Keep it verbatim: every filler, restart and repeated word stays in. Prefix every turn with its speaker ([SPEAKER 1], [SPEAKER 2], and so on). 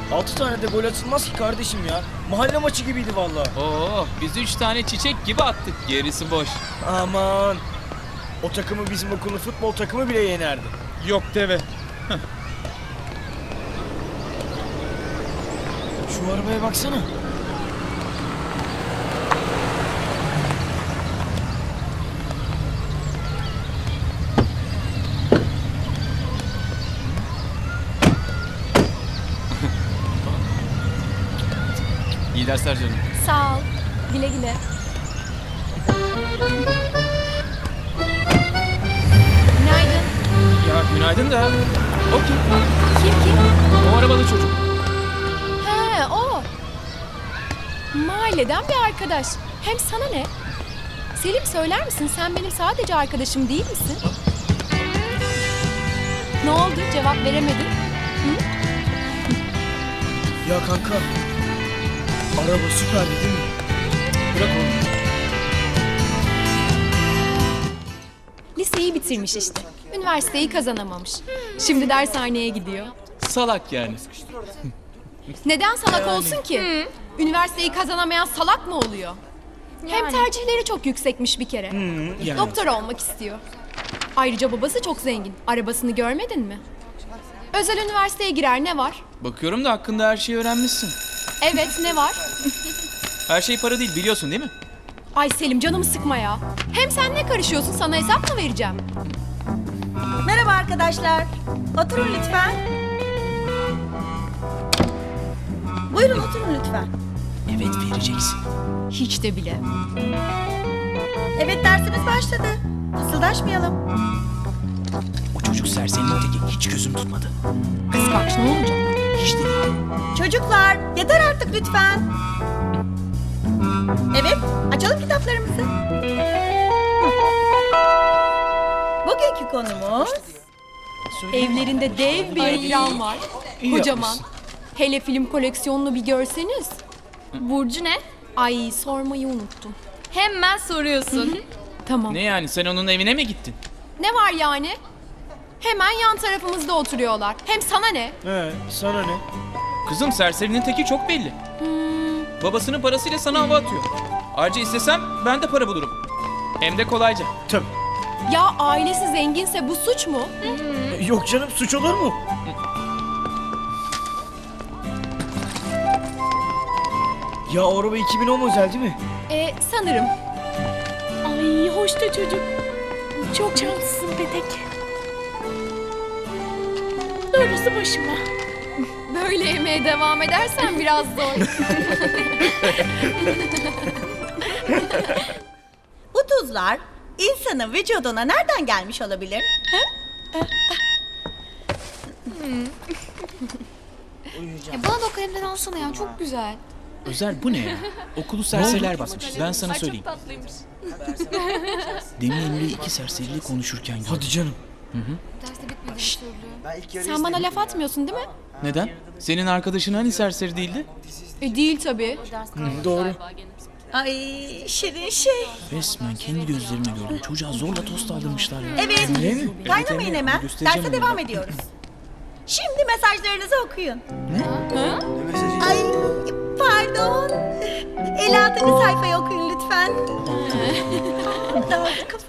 [SPEAKER 1] Altı tane de gol atılmaz ki kardeşim ya. Mahalle maçı gibiydi vallahi.
[SPEAKER 2] Oo, biz üç tane çiçek gibi attık. Gerisi boş.
[SPEAKER 1] Aman. O takımı bizim okulun futbol takımı bile yenerdi.
[SPEAKER 2] Yok deve.
[SPEAKER 1] Şu arabaya baksana.
[SPEAKER 2] İyi dersler canım.
[SPEAKER 3] Sağ ol. Güle güle. Günaydın.
[SPEAKER 2] Ya günaydın da. O kim?
[SPEAKER 3] Kim kim?
[SPEAKER 2] O arabalı çocuk.
[SPEAKER 3] He o. Mahalleden bir arkadaş. Hem sana ne? Selim söyler misin sen benim sadece arkadaşım değil misin? Ne oldu cevap veremedin?
[SPEAKER 1] Ya kanka. Araba süperdi değil mi? Bırak onu.
[SPEAKER 3] Liseyi bitirmiş işte. Üniversiteyi kazanamamış. Şimdi dershaneye gidiyor.
[SPEAKER 2] Salak yani.
[SPEAKER 3] Neden salak olsun ki? Üniversiteyi kazanamayan salak mı oluyor? Hem tercihleri çok yüksekmiş bir kere.
[SPEAKER 1] Yani.
[SPEAKER 3] Doktor olmak istiyor. Ayrıca babası çok zengin. Arabasını görmedin mi? Özel üniversiteye girer ne var?
[SPEAKER 2] Bakıyorum da hakkında her şeyi öğrenmişsin.
[SPEAKER 3] Evet ne var?
[SPEAKER 2] Her şey para değil biliyorsun değil mi?
[SPEAKER 3] Ay Selim canımı sıkma ya. Hem sen ne karışıyorsun, sana hesap mı vereceğim?
[SPEAKER 4] Merhaba arkadaşlar. Oturun lütfen. Buyurun oturun lütfen.
[SPEAKER 1] Evet vereceksin.
[SPEAKER 3] Hiç de bile.
[SPEAKER 4] Evet dersimiz başladı. Fısıldaşmayalım.
[SPEAKER 1] O çocuk serserinin teki, hiç gözüm tutmadı.
[SPEAKER 3] Kıskanç ne olacak?
[SPEAKER 1] Hiç de değil.
[SPEAKER 4] Çocuklar yeter artık lütfen. Evet açalım kitaplarımızı. Bugünkü konumuz
[SPEAKER 3] Evlerinde dev bir ekran var.
[SPEAKER 1] İyi
[SPEAKER 3] Kocaman.
[SPEAKER 1] yapmışsın.
[SPEAKER 3] Hele film koleksiyonunu bir görseniz.
[SPEAKER 5] Burcu ne?
[SPEAKER 3] Ay sormayı unuttum.
[SPEAKER 5] Hemen soruyorsun.
[SPEAKER 3] Tamam.
[SPEAKER 2] Ne yani sen onun evine mi gittin?
[SPEAKER 3] Ne var yani? Hemen yan tarafımızda oturuyorlar. Hem sana ne?
[SPEAKER 1] He, sana ne?
[SPEAKER 2] Kızım serserinin teki çok belli. Babasının parasıyla sana hava atıyor. Ayrıca istesem ben de para bulurum. Hem de kolayca.
[SPEAKER 1] Tabii.
[SPEAKER 3] Ya ailesi zenginse bu suç mu?
[SPEAKER 1] E, Yok canım, suç olur mu? Ya o araba iki bin on model değil mi?
[SPEAKER 3] E sanırım.
[SPEAKER 5] Ay hoş da çocuk. Çok şanslısın Petek. Darısı başıma.
[SPEAKER 3] Böyle yemeye devam edersen biraz zor.
[SPEAKER 4] bu tuzlar insanın vücuduna nereden gelmiş olabilir?
[SPEAKER 5] Ya bana da o kalemden alsana ya çok güzel.
[SPEAKER 2] Özel bu ne ya? Okulu serseriler basmış. Ben sana söyleyeyim.
[SPEAKER 5] tatlıymış.
[SPEAKER 1] Demin Emre iki serseriyle konuşurken gördüm. Hadi canım.
[SPEAKER 5] Derste bitmedi söylüyor.
[SPEAKER 3] Sen bana laf atmıyorsun değil mi?
[SPEAKER 2] Neden? Senin arkadaşın hani serseri değildi?
[SPEAKER 3] E değil tabii.
[SPEAKER 1] Doğru.
[SPEAKER 4] Ay şirin şey.
[SPEAKER 1] Resmen kendi gözlerimle gördüm. Çocuğa zorla tost aldırmışlar ya.
[SPEAKER 4] Evet.
[SPEAKER 1] Öyle mi?
[SPEAKER 4] Kaynamayın hemen.
[SPEAKER 1] Göstereceğim
[SPEAKER 4] Derse
[SPEAKER 1] onu.
[SPEAKER 4] devam ediyoruz. Şimdi mesajlarınızı okuyun.
[SPEAKER 3] Ha?
[SPEAKER 4] Ay pardon. elli altıncı sayfayı okuyun lütfen. Dağıldı kafa.